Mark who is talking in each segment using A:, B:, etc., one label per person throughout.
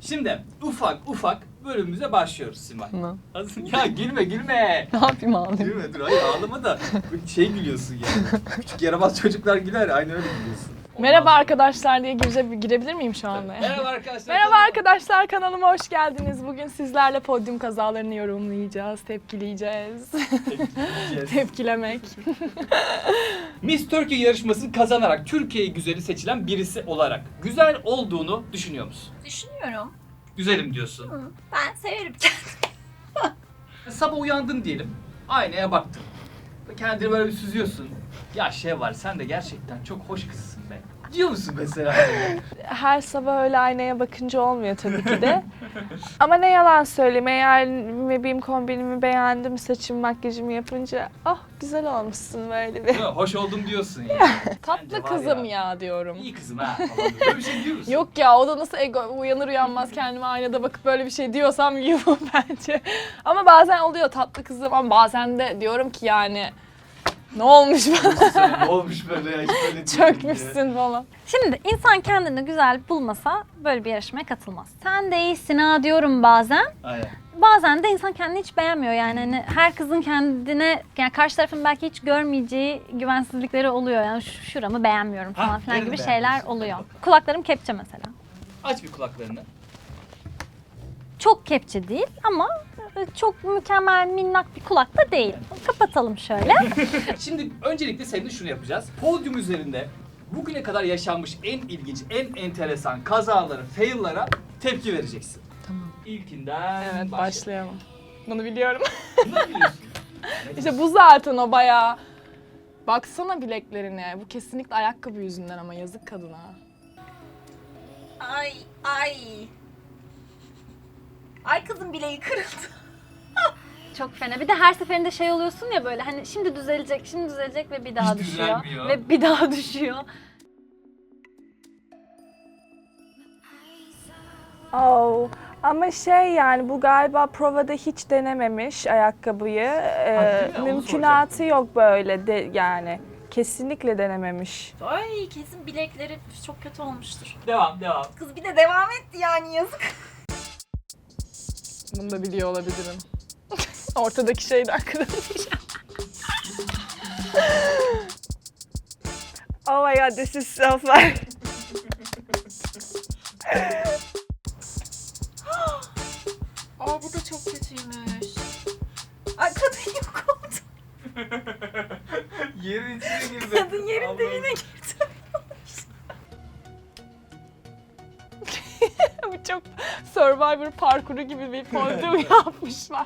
A: Şimdi ufak ufak bölümümüze başlıyoruz Simay.
B: Ne?
A: Ya gülme.
B: Ne yapayım ağlayayım?
A: Gülme dur hayır ağlama da şey gülüyorsun yani. Küçük yaramaz çocuklar güler aynı öyle gülüyorsun.
B: Merhaba arkadaşlar diye girebilir miyim şu anda?
A: Merhaba arkadaşlar.
B: Merhaba arkadaşlar, kanalıma hoş geldiniz. Bugün sizlerle podyum kazalarını yorumlayacağız, tepkileyeceğiz. Tepkilemek.
A: Miss Turkey yarışmasını kazanarak Türkiye güzeli seçilen birisi olarak güzel olduğunu düşünüyor musun?
C: Düşünüyorum.
A: Güzelim diyorsun.
C: Hı, ben severim kendimi.
A: Sabah uyandın diyelim. Aynaya baktın. Kendini böyle bir süzüyorsun. Ya şey var sen de gerçekten çok hoş kızsın be. Diyor musun mesela?
B: Her sabah öyle aynaya bakınca olmuyor tabii ki de. Ama ne yalan söyleyeyim, eğer benim kombinimi beğendim, saçım makyajımı yapınca oh güzel olmuşsun böyle bir.
A: Değil mi? Hoş oldum diyorsun yani.
B: Tatlı
A: Bence var
B: kızım ya diyorum.
A: İyi kızım ha falan. Böyle bir şey diyor musun?
B: Yok ya, o da nasıl ego, uyanır uyanmaz kendime aynada bakıp böyle bir şey diyorsam yuh bence. Ama bazen oluyor tatlı kızım, ama bazen de diyorum ki yani ne olmuş bana,
A: Ne olmuş böyle ya hiç böyle değil
B: çökmüşsün falan.
C: Şimdi insan kendini güzel bulmasa böyle bir yarışmaya katılmaz. Sen de iyisin ha diyorum bazen.
A: Aynen.
C: Bazen de insan kendini hiç beğenmiyor yani hani her kızın kendine yani karşı tarafın belki hiç görmeyeceği güvensizlikleri oluyor yani şuramı beğenmiyorum falan filan
A: nereni
C: gibi şeyler
A: beğenmiyorsun?
C: oluyor.
A: Hadi bakalım.
C: Kulaklarım kepçe mesela.
A: Aç bir kulaklarını.
C: Çok kepçe değil ama çok mükemmel minnak bir kulak da değil. Kapatalım şöyle.
A: Şimdi öncelikle seninle şunu yapacağız. Podyum üzerinde bugüne kadar yaşanmış en ilginç, en enteresan kazalara, fail'lara tepki vereceksin.
B: Tamam.
A: İlkinden
B: Evet, başlayalım. Bunu biliyorum.
A: Bunu biliyorsun.
B: İşte bu zaten o bayağı. Baksana bileklerine. Bu kesinlikle ayakkabı yüzünden, ama yazık kadına.
C: Ay ay. Ay kızım bileği kırıldı. Çok fena. Bir de her seferinde şey oluyorsun ya böyle hani şimdi düzelecek ve bir daha
A: Hiç
C: düşüyor.
A: düzelmiyor.
C: Ve bir daha düşüyor.
B: Oh. Ama şey yani bu galiba provada hiç denememiş ayakkabıyı.
A: değil mi? Onu
B: Mümkünatı
A: soracaktım.
B: yok böyle de yani. Kesinlikle denememiş.
C: Ay kesin bilekleri çok kötü olmuştur.
A: Devam.
C: Kız bir de devam etti yani yazık.
B: Bunu da biliyor olabilirim. Ortadaki şeyden kırılmış. Oh my god, this is so funny.
C: Aa bu da çok kötüymüş. Ay kadın yok oldu.
A: Yerin içine girdi.
C: Kadın yerin dibine girdi.
B: Bu çok Survivor parkuru gibi bir podyum yapmışlar.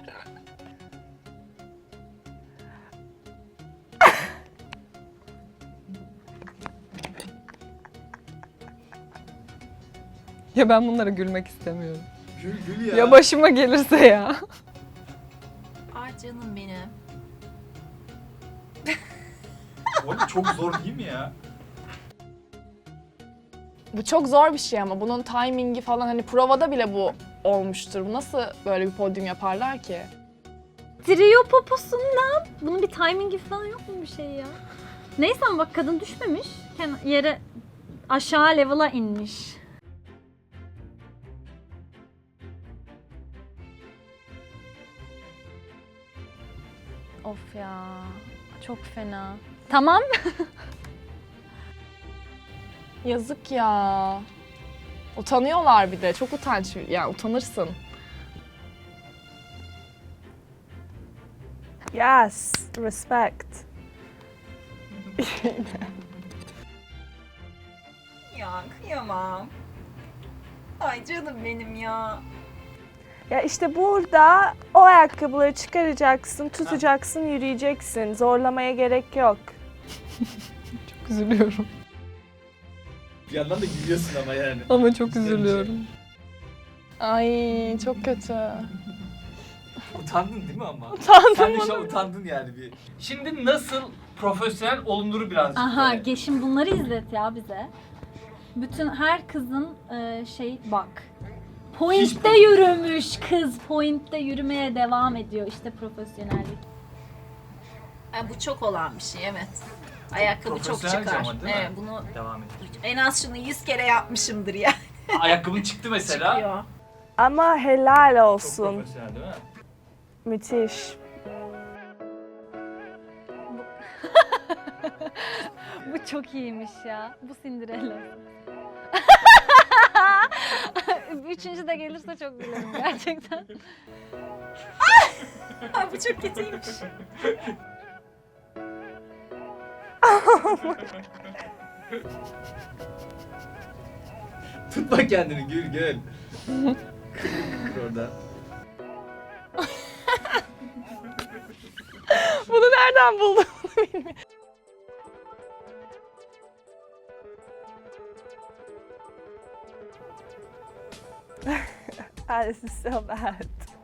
B: Ya ben bunlara gülmek istemiyorum.
A: Gül ya.
B: Ya başıma gelirse ya.
C: Ay canım benim.
A: Oğlum çok zor değil mi ya?
B: Bu çok zor bir şey ama bunun timingi falan, hani provada bile bu olmuştur. Bu nasıl böyle bir podyum yaparlar ki?
C: Trio poposundan. Bunun bir timingi falan yok mu bir şey ya? Neyse ama bak kadın düşmemiş. Yere aşağı level'a inmiş. Of ya. Çok fena. Tamam.
B: Yazık ya. Utanıyorlar bir de. Çok utanç. Yani utanırsın. Yes, respect.
C: Ya kıyamam. Ay canım benim ya.
B: Ya işte burada o ayakkabıları çıkaracaksın, tutacaksın, yürüyeceksin. Zorlamaya gerek yok. Çok üzülüyorum.
A: Bir yandan da gülüyorsun ama yani.
B: Ama çok
A: İçten
B: üzülüyorum. Ay çok kötü.
A: Utandın değil mi ama?
B: Utandım
A: Sen de şu an
B: onu.
A: utandın yani bir. Şimdi nasıl profesyonel olunuru birazcık
C: Aha
A: böyle.
C: şimdi bunları izlet ya bize. Bütün her kızın bak. Point'te
A: Hiç-
C: yürümüş kız. Point'te yürümeye devam ediyor. İşte profesyonellik. Bu çok olan bir şey evet. Ayakkabı çok
A: Profesyonelce
C: çıkar.
A: ama değil mi?
C: Bunu
A: Devam et.
C: en az şunu 100 kere yapmışımdır ya.
A: Ayakkabın çıktı mesela.
C: Çıkıyor.
B: Ama helal
A: Çok
B: olsun.
A: profesyonel değil mi?
B: Müthiş.
C: Bu çok iyiymiş ya. Bu Cinderella. Üçüncü de gelirse çok gülerim gerçekten.
D: Bu çok kötüymüş.
A: Tutma kendini gül gül. Kır orada.
B: Bunu nereden buldun bilmiyorum. This is so bad.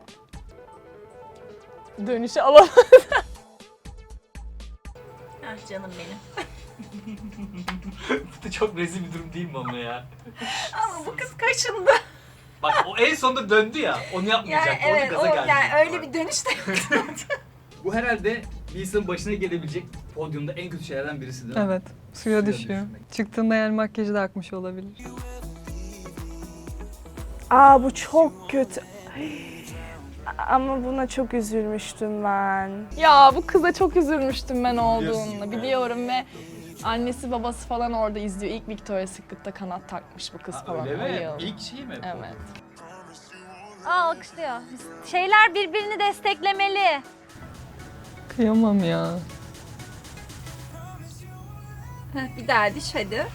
B: Dönüşü alalım.
D: Ah canım benim.
A: Bu da çok rezil bir durum değil mi ama ya?
D: Ama bu kız kaşındı.
A: Bak o en sonunda döndü ya. Onu yapmayacaktı.
D: Yani evet,
A: Onu gaza
D: o,
A: geldi.
D: yani öyle bir dönüş de yok.
A: Bu herhalde bir insanın başına gelebilecek podyumda en kötü şeylerden birisi değil mi?
E: Evet, suya
A: Suya
E: düşüyor.
A: düşmek.
E: Çıktığında yani makyajı da akmış olabilir.
B: Aa bu çok kötü. Ama buna çok üzülmüştüm ben.
F: Ya bu kıza çok üzülmüştüm ben
A: Biliyorsun.
F: olduğunda biliyorum ve annesi babası falan orada izliyor. İlk Victoria's Secret'ta kanat takmış bu kız
A: Ha,
F: falan.
A: öyle
F: o
A: mi?
F: yıl.
A: İlk şey mi?
F: Evet.
C: Aa alkışlıyor. Şeyler birbirini desteklemeli.
E: Kıyamam ya.
D: Bir daha diş hadi.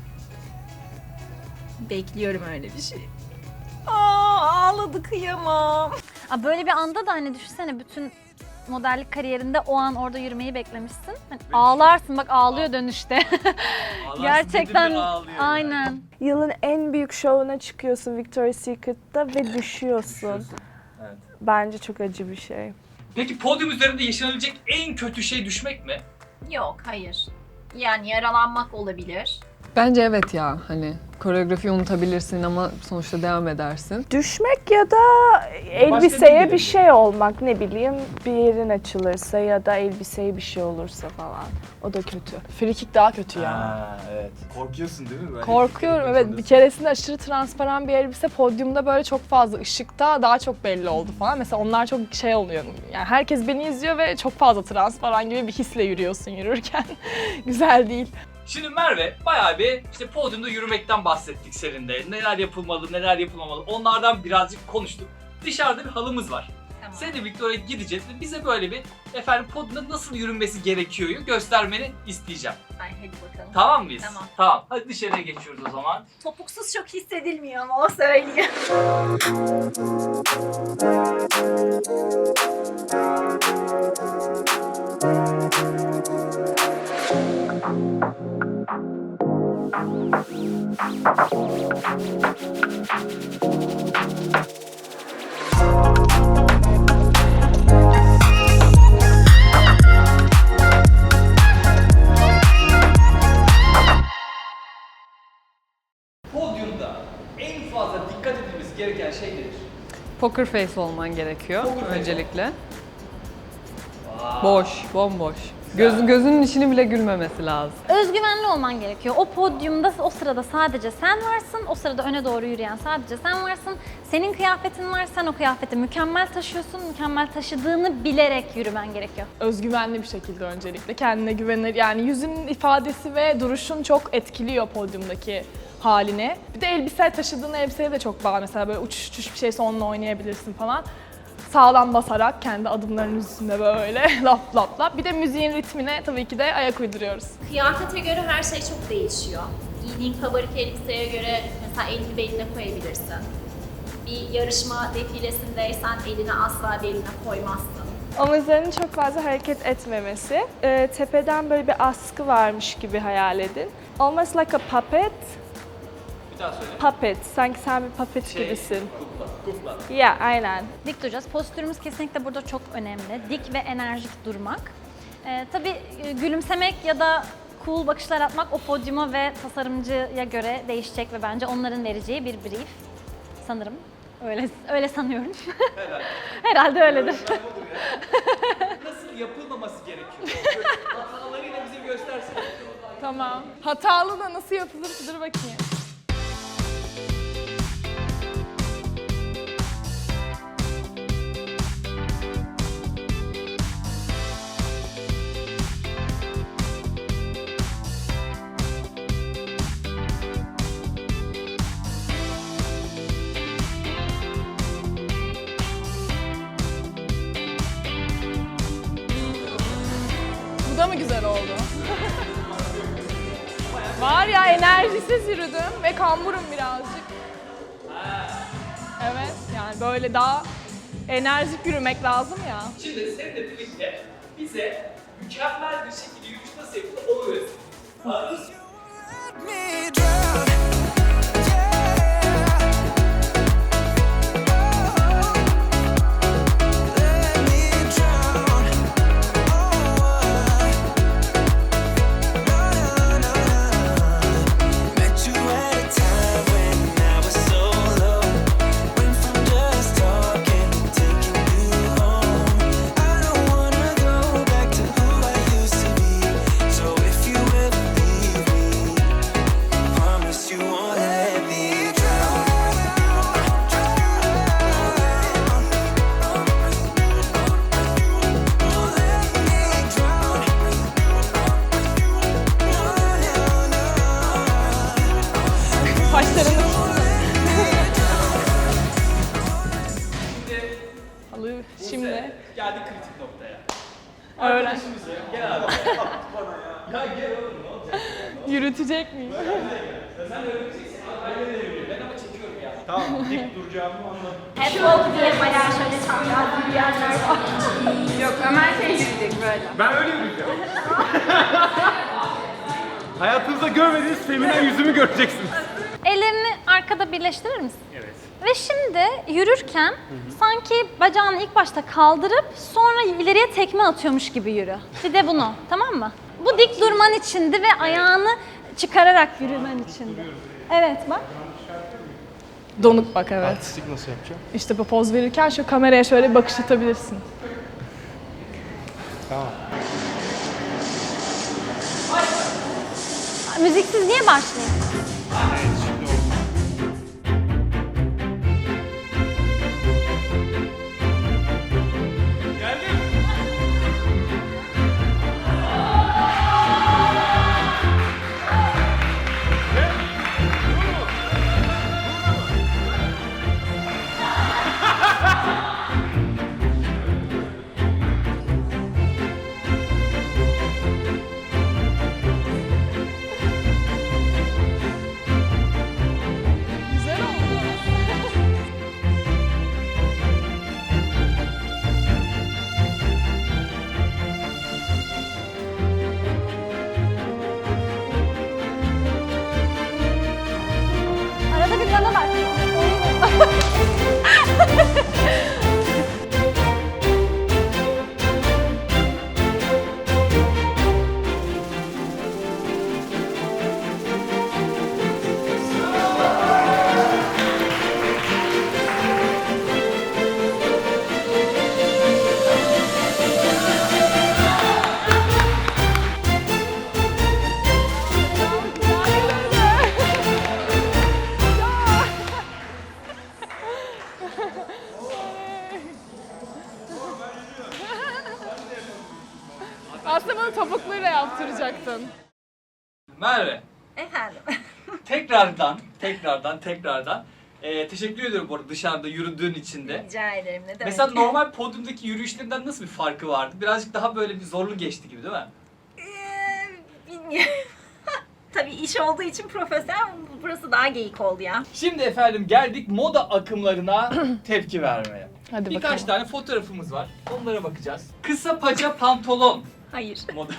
D: Bekliyorum öyle bir şey. Ağladı kıyamam.
C: Aa, böyle bir anda da hani düşünsene bütün modellik kariyerinde o an orada yürümeyi beklemişsin. Hani ağlarsın bak ağlıyor dönüşte.
A: Ağlarsın
C: Gerçekten
A: dedim mi ağlıyor yani.
C: aynen.
B: Yılın en büyük şovuna çıkıyorsun Victoria's Secret'ta ve düşüyorsun.
A: Evet.
B: Bence çok acı bir şey.
A: Peki podyum üzerinde yaşanabilecek en kötü şey düşmek mi?
D: Yok hayır. Yani yaralanmak olabilir.
E: Bence evet ya, hani koreografiyi unutabilirsin ama sonuçta devam edersin.
B: Düşmek ya da
A: ne
B: elbiseye bir
A: gelebilir?
B: şey olmak, ne bileyim bir yerin açılırsa ya da elbiseye bir şey olursa falan. O da kötü.
F: Frikik daha kötü ya.
A: Ha, evet. Korkuyorsun değil mi? Böyle
F: Korkuyorum evet. Bir keresinde aşırı transparan bir elbise podyumda böyle çok fazla ışıkta daha çok belli oldu falan. Mesela onlar çok şey oluyor. Yani herkes beni izliyor ve çok fazla transparan gibi bir hisle yürüyorsun yürürken. Güzel değil.
A: Şimdi Merve bayağı bir işte podyumda yürümekten bahsettik seninle. Neler yapılmalı, neler yapılmamalı. Onlardan birazcık konuştuk. Dışarıda bir halımız var.
D: Tamam.
A: Seninle Victoria'ya gideceğiz ve bize böyle bir efendim podyumda nasıl yürünmesi gerekiyor göstermeni isteyeceğim.
D: Ay hadi bakalım.
A: Tamam mıyız?
D: Tamam.
A: Tamam. Hadi dışarıya geçiyoruz o zaman.
D: Topuksuz çok hissedilmiyor ama o söylüyor.
A: Podyumda en fazla dikkat edilmesi gereken şey nedir?
E: Poker face olman gerekiyor
A: Poker face.
E: öncelikle.
A: Vay.
E: Boş, bomboş. Gözünün içini bile gülmemesi lazım.
C: Özgüvenli olman gerekiyor. O podyumda o sırada sadece sen varsın. O sırada öne doğru yürüyen sadece sen varsın. Senin kıyafetin var. Sen o kıyafeti mükemmel taşıyorsun. Mükemmel taşıdığını bilerek yürümen gerekiyor.
F: Özgüvenli bir şekilde öncelikle kendine güvenir. Yani yüzünün ifadesi ve duruşun çok etkiliyor podyumdaki haline. Bir de elbise taşıdığın elbiseye de çok bağlı. Mesela böyle uçuş uçuş bir şeyse onunla oynayabilirsin falan. Sağlam basarak kendi adımlarının üstünde böyle lap lap lap. Bir de müziğin ritmine tabii ki de ayak uyduruyoruz.
G: Kıyafete göre her şey çok değişiyor. Giydiğin kabarık elbiseye göre mesela elini beline koyabilirsin. Bir yarışma defilesindeysen elini asla beline koymazsın.
B: Omuzlarının çok fazla hareket etmemesi. Tepeden böyle bir askı varmış gibi hayal edin. Almost like a puppet.
A: Bir daha söyle.
B: Puppet. Sanki sen bir puppet gibisin.
A: Kukla.
B: Ya aynen.
C: Dik duracağız. Postürümüz kesinlikle burada çok önemli. Dik ve enerjik durmak. Tabii gülümsemek ya da cool bakışlar atmak o podyuma ve tasarımcıya göre değişecek ve bence onların vereceği bir brief. Sanırım. Öyle sanıyorum.
A: Herhalde.
C: Herhalde öyledir.
A: Nasıl yapılmaması gerekiyor? Hatalarıyla bize göstersin.
F: Tamam. Hatalı da nasıl yapılır? Dur bakayım. mı güzel oldu? Var ya, enerjisiz yürüdüm ve kamburum birazcık. Evet, yani böyle daha enerjik yürümek lazım ya.
A: Şimdi seninle birlikte bize mükemmel bir şekilde yürüyüş nasıl yapılır onu öğretsin.
H: me drown. Let me drown. Met you at a time when I was so low. Went from just talking to taking you home. I don't wanna go back to who I used to be. So if you ever leave me, promise you won't let me drown. Won't let me drown.
F: Saçlarını... Alı şimdi
A: Geldik kritik noktaya.
F: öğren.
A: Arkadaşımızı gel abi. Ya gel oğlum ne olacak?
F: Yürütecek miyim?
A: Sen öğreneceksin. Ben öyle yürüyorum. Ben ama çekiyorum ya.
I: Tamam, dik duracağımı anladım.
G: Catwalk diye bayağı şöyle çapraz yürüyenler var.
J: Yok, Ömer şey yürüyecek böyle.
I: Ben öyle yürüyeceğim. Hayatınızda görmediğiniz feminen yüzümü göreceksiniz.
C: Ellerini arkada birleştirir misin?
I: Evet.
C: Ve şimdi yürürken sanki bacağını ilk başta kaldırıp sonra ileriye tekme atıyormuş gibi yürü. Bir de bunu, tamam mı? Bu dik durman içindi ve ayağını çıkararak yürümen içindi. Evet bak.
F: Donuk bak, evet.
I: Artistik nasıl yapacağım?
F: İşte bu poz verirken şu kameraya şöyle bir bakış atabilirsin.
I: Tamam.
C: Müziksiz niye başlayayım?
I: Evet, şimdi oldu.
F: Güzel oldu.
C: Arada bir yana bak.
F: Aslında bunu topukluyla yaptıracaktın.
A: Merve,
D: Efendim.
A: tekrardan teşekkür ediyorum bu arada dışarıda yürüdüğün için de.
D: Rica ederim. Ne demek?
A: Mesela normal podyumdaki yürüyüşlerinden nasıl bir farkı vardı? Birazcık daha böyle bir zorlu geçti gibi değil mi?
D: Bilmiyorum. Tabii iş olduğu için profesyonel, burası daha geyik oldu ya.
A: Şimdi efendim geldik moda akımlarına tepki vermeye.
F: Hadi
A: Birkaç
F: bakalım.
A: tane fotoğrafımız var. Onlara bakacağız. Kısa paça pantolon
D: Hayır.
A: moda.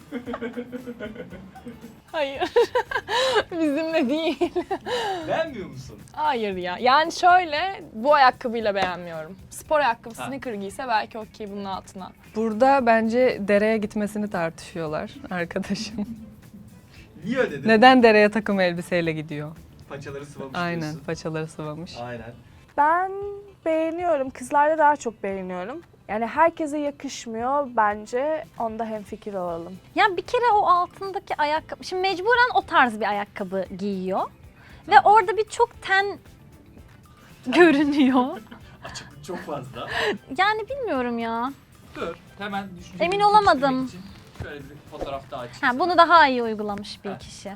F: Hayır. Bizimle değil.
A: Beğenmiyor musun?
F: Hayır ya. Yani şöyle, bu ayakkabıyla beğenmiyorum. Spor ayakkabı,
A: Ha.
F: sneaker giyse belki okey bunun altına.
E: Burada bence dereye gitmesini tartışıyorlar arkadaşım.
A: Niye öyle dedin?
E: Neden dereye takım elbiseyle gidiyor?
A: Paçaları sıvamış
E: Aynen,
A: diyorsun.
E: paçaları sıvamış.
A: Aynen.
B: Ben beğeniyorum. Kızlarda daha çok beğeniyorum. Yani herkese yakışmıyor bence. Onda hemfikir olalım.
C: Ya bir kere o altındaki ayakkabı, şimdi mecburen o tarz bir ayakkabı giyiyor. Ve orada bir çok ten görünüyor.
A: Açıklık çok fazla.
C: Yani bilmiyorum ya.
A: Dur. Hemen düşünce
C: Emin
A: birlikte
C: olamadım.
A: için şöyle bir fotoğraf daha açayım.
C: Ha, bunu daha iyi uygulamış bir
A: Ha.
C: kişi.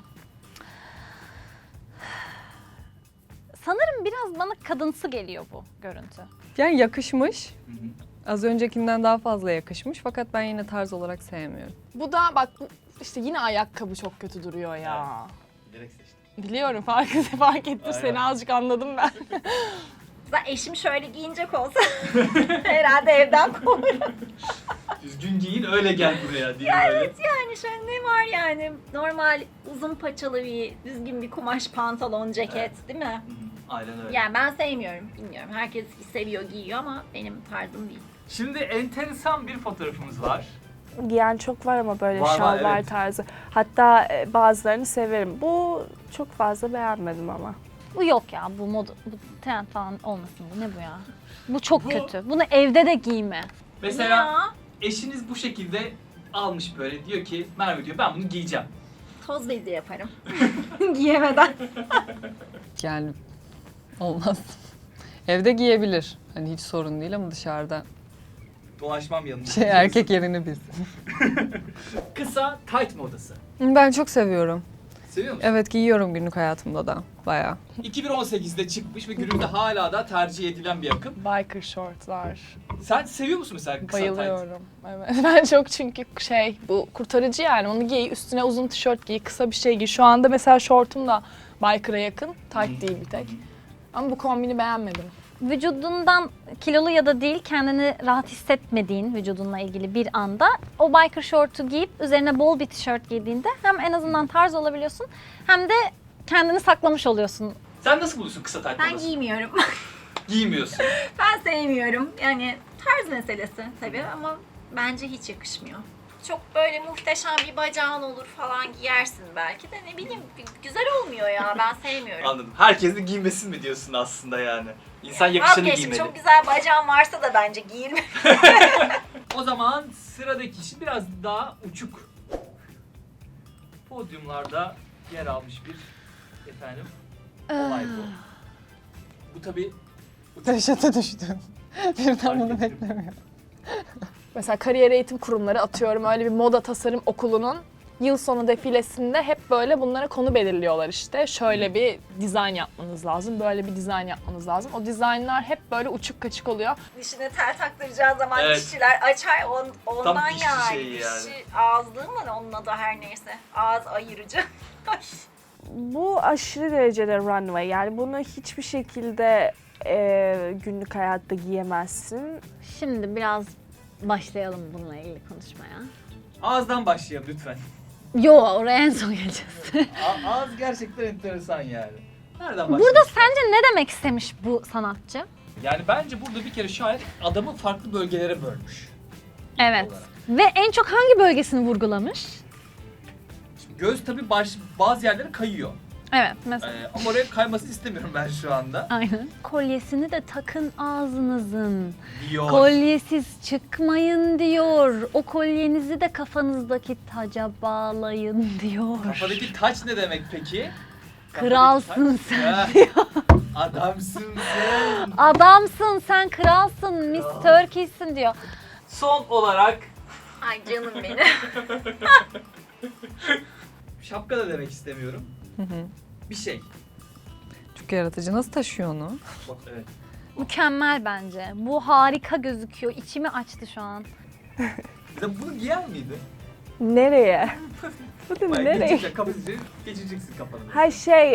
C: Sanırım biraz bana kadınsı geliyor bu görüntü.
E: Yani yakışmış.
A: Hı hı.
E: Az öncekinden daha fazla yakışmış fakat ben yine tarz olarak sevmiyorum.
F: Bu da bak işte yine ayakkabı çok kötü duruyor ya.
A: Direkt seçtim.
F: Biliyorum fark ettim
A: Aynen.
F: seni azıcık anladım ben.
D: Zaten eşim şöyle giyinecek olsa herhalde evden kovurum.
A: Düzgün giyin öyle gel buraya diye
D: Ya
A: böyle.
D: evet yani şöyle ne var yani normal uzun paçalı bir düzgün bir kumaş pantolon ceket değil mi?
A: Hı hı, aynen öyle.
D: Yani ben sevmiyorum bilmiyorum. Herkes seviyor giyiyor ama benim tarzım değil.
A: Şimdi enteresan bir fotoğrafımız var.
B: Giyen çok var ama böyle
A: Var,
B: şalvar
A: evet.
B: tarzı. Hatta bazılarını severim. Bu çok fazla beğenmedim ama.
C: Bu yok ya, bu moda, bu trend falan olmasın bu. Ne bu ya? Bu çok
A: Bu-
C: kötü. Bunu evde de giyme.
A: Mesela
D: Ya,
A: eşiniz bu şekilde almış böyle diyor ki Merve diyor ben bunu giyeceğim.
D: toz bezi yaparım. Giyemeden.
E: Yani olmaz. Evde giyebilir. Hani hiç sorun değil ama dışarıda
A: Dolaşmam yanında.
E: erkek yerini bilsin.
A: Kısa tight modası.
E: Ben çok seviyorum.
A: Seviyor musun?
E: Evet giyiyorum günlük hayatımda da bayağı.
A: 2018'de çıkmış ve günümüzde hala da tercih edilen bir akım.
F: Biker shortlar.
A: Sen seviyor musun mesela kısa tight?
F: Bayılıyorum. Evet. Ben çok çünkü bu kurtarıcı yani onu giy, üstüne uzun tişört giy, kısa bir şey giy. Şu anda mesela şortum da biker'a yakın, tight değil bir tek. Ama bu kombini beğenmedim.
C: Vücudundan kilolu ya da değil kendini rahat hissetmediğin vücudunla ilgili bir anda o biker şortu giyip üzerine bol bir tişört giydiğinde hem en azından tarz olabiliyorsun hem de kendini saklamış oluyorsun.
A: Sen nasıl buluyorsun kısa tight
D: Ben
A: modası?
D: giymiyorum.
A: Giymiyorsun.
D: Ben sevmiyorum. Yani tarz meselesi tabii ama bence hiç yakışmıyor. Çok böyle muhteşem bir bacağın olur falan giyersin belki de ne bileyim güzel olmuyor ya ben sevmiyorum.
A: Anladım. Herkesin giymesin mi diyorsun aslında yani? İnsan yakışanı
D: Vazgeçtim,
A: giymeli.
D: çok güzel bacağın varsa da bence giyilme.
A: O zaman sıradaki kişi biraz daha uçuk. Podyumlarda yer almış bir olay bu. Bu tabii
E: Dehşete düştüm. Birden
A: Fark
E: bunu
A: ettim.
E: beklemiyorum.
F: Mesela kariyer eğitim kurumları atıyorum öyle bir moda tasarım okulunun yıl sonu defilesinde hep böyle bunlara konu belirliyorlar işte. Şöyle bir dizayn yapmanız lazım, böyle bir dizayn yapmanız lazım. O dizaynlar hep böyle uçuk kaçık oluyor.
D: Dişine tel taktıracağı zaman
A: Evet.
D: dişçiler açar ondan
A: Tam dişçi
D: yani.
A: şeyi yani.
D: Dişi ağızlığı mı onun adı her neyse. Ağız ayırıcı.
B: Bu aşırı derecede runway. Yani bunu hiçbir şekilde günlük hayatta giyemezsin.
C: Şimdi biraz başlayalım bununla ilgili konuşmaya.
A: ağızdan başlayalım lütfen.
C: Yo, oraya en son geleceğiz.
A: Ağız gerçekten enteresan yani. Nereden başlayalım?
C: Burada sence ne demek istemiş bu sanatçı?
A: Yani bence burada bir kere şair adamı farklı bölgelere bölmüş.
C: Evet.
A: Olarak.
C: Ve en çok hangi bölgesini vurgulamış?
A: Şimdi göz tabii bazı yerlere kayıyor.
C: Evet, mesela.
A: Ama oraya kaymasını istemiyorum ben şu anda.
C: Aynen. Kolyesini de takın ağzınızın.
A: Diyor.
C: Kolyesiz çıkmayın diyor. O kolyenizi de kafanızdaki taca bağlayın diyor.
A: Kafadaki taç ne demek peki?
C: Kralsın
A: Kafadaki
C: sen.
A: taç- Ha, adamsın sen.
C: Adamsın sen, kralsın, Miss Turkey'sin diyor.
A: Son olarak
D: Ay canım benim.
A: şapka da demek istemiyorum. Bir şey.
E: Çok yaratıcı. Nasıl taşıyor onu?
A: Bak evet.
C: Mükemmel bence. Bu harika gözüküyor. İçimi açtı şu an.
A: Mesela bunu giyer miydi?
B: Nereye? Bu da
A: Bayağı
B: nereye?
A: geçireceksin kafanı.
B: Her şey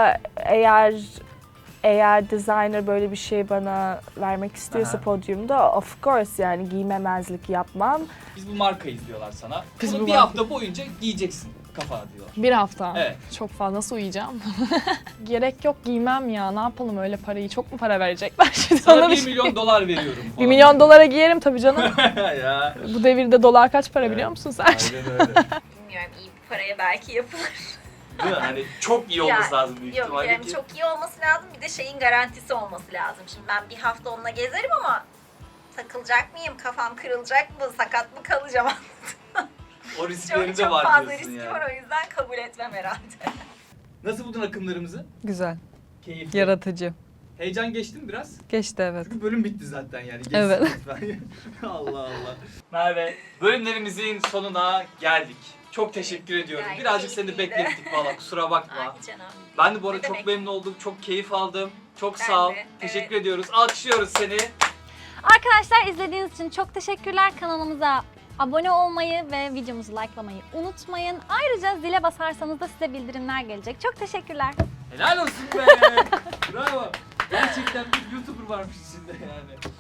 B: eğer designer böyle bir şey bana vermek istiyorsa
A: Aha.
B: podyumda of course yani giymemezlik yapmam.
A: Biz bu markayız diyorlar sana.
F: Biz
A: Bunu
F: bu
A: bir
F: marka-
A: hafta boyunca giyeceksin kafana diyorlar.
F: Bir hafta.
A: Evet.
F: Çok fazla nasıl uyuyacağım? Gerek yok giymem ya. Ne yapalım öyle parayı? Çok mu para verecekler şimdi?
A: Sana
F: Ona
A: 1
F: şey-
A: milyon dolar veriyorum.
F: 1 milyon dolara giyerim tabii canım.
A: Ya.
F: Bu devirde dolar kaç para
A: Evet.
F: biliyor musun sen?
A: Aynen öyle.
D: Bilmiyorum iyi bir paraya belki yapılır.
A: Değil mi? Hani çok iyi olması lazım büyük
D: Yok
A: ihtimalle
D: yani
A: ki.
D: çok iyi olması lazım bir de şeyin garantisi olması lazım. Şimdi ben bir hafta onunla gezerim ama takılacak mıyım? Kafam kırılacak mı? Sakat mı kalacağım?
A: O riskleri
D: çok
A: de
D: çok
A: var
D: fazla
A: diyorsun
D: riski
A: yani.
D: var o yüzden kabul etmem herhalde.
A: Nasıl buldun akımlarımızı?
E: Güzel.
A: Keyifli.
E: Yaratıcı.
A: Heyecan geçti mi biraz?
E: Geçti evet.
A: Çünkü bölüm bitti zaten yani. Geçsin
E: Evet.
A: lütfen. Allah Allah. Merve, bölümlerimizin sonuna geldik. Çok teşekkür ediyorum.
D: Gayet
A: Birazcık seni
D: keyifliydi.
A: beklettik valla kusura bakma.
D: Ay canım.
A: Ben de bu arada
D: Ne
A: çok
D: demek?
A: memnun oldum. Çok keyif aldım. Çok
D: Ben
A: sağ ol.
D: de,
A: Teşekkür
D: evet.
A: ediyoruz. Alkışlıyoruz seni.
C: Arkadaşlar izlediğiniz için çok teşekkürler. Kanalımıza abone olmayı ve videomuzu likelamayı unutmayın. Ayrıca zile basarsanız da size bildirimler gelecek. Çok teşekkürler.
A: Helal olsun be. Bravo. Gerçekten bir YouTuber varmış içinde yani.